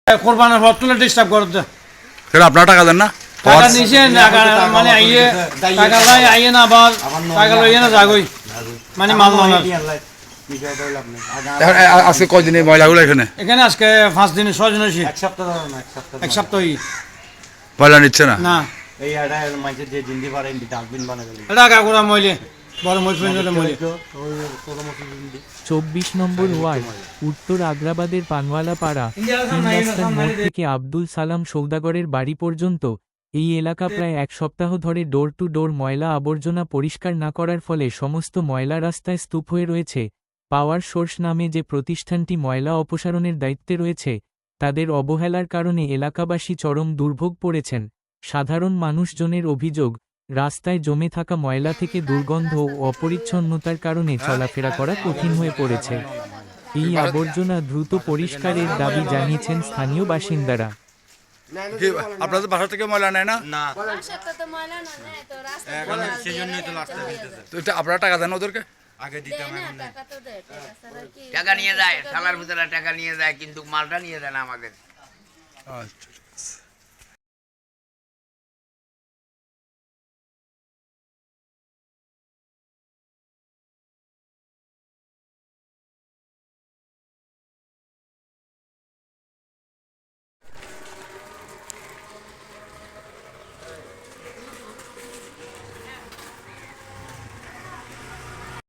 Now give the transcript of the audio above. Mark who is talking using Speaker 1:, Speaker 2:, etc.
Speaker 1: কোরবানের পর তুলে ডিস্টার্ব করতে
Speaker 2: সেটা আপনারা টাকা দেন না?
Speaker 1: টাকা নিছে মানে আইয়ে টাকা লাই আইয়ে না আবার টাকা লইয়ে না যাগই মানে মাল না
Speaker 2: আজকে কয়দিন এই ময়লাগুলো এখানে
Speaker 1: এখানে আজকে 5 দিন 6 দিন হইছে এক সপ্তাহ
Speaker 2: ময়লা নিচ্ছে না?
Speaker 1: না
Speaker 3: এই আড়া মাঝে যে জিন্দি পারে ইন্দি ডাস্টবিন বানা গেল
Speaker 1: এটা কাকুরা মইলে বড় মইলে মইলে
Speaker 4: 24 নম্বর ওয়ার্ড উত্তর আগ্রাবাদের পানওয়ালা পাড়া 3 রাস্তার মোড় থেকে আব্দুল সালাম সৌদাগরের বাড়ি পর্যন্ত এই এলাকা প্রায় এক সপ্তাহ ধরে ডোর টু ডোর ময়লা আবর্জনা পরিষ্কার না করার ফলে সমস্ত ময়লা রাস্তায় স্তূপ হয়ে রয়েছে। পাওয়ার সোর্স নামে যে প্রতিষ্ঠানটি ময়লা অপসারণের দায়িত্বে রয়েছে তাদের অবহেলার কারণে এলাকাবাসী চরম দুর্ভোগ পড়েছেন। সাধারণ মানুষজনের অভিযোগ, রাস্তায় জমে থাকা ময়লা থেকে দুর্গন্ধ ও অপরিচ্ছন্নতার কারণে চলাফেরা করা কঠিন হয়ে পড়েছে। এই আবর্জনা দ্রুত পরিষ্কারের দাবি জানিয়েছেন স্থানীয় বাসিন্দারা।
Speaker 2: আপনাদের বাসা থেকে ময়লা নেয় না? তো এটা আপনারা টাকা দেন ওদেরকে?
Speaker 5: টাকা নিয়ে যায়, থালার ভিতরে টাকা নিয়ে যায়, কিন্তু মালটা নিয়ে যায় না আমাদের।
Speaker 2: আচ্ছা।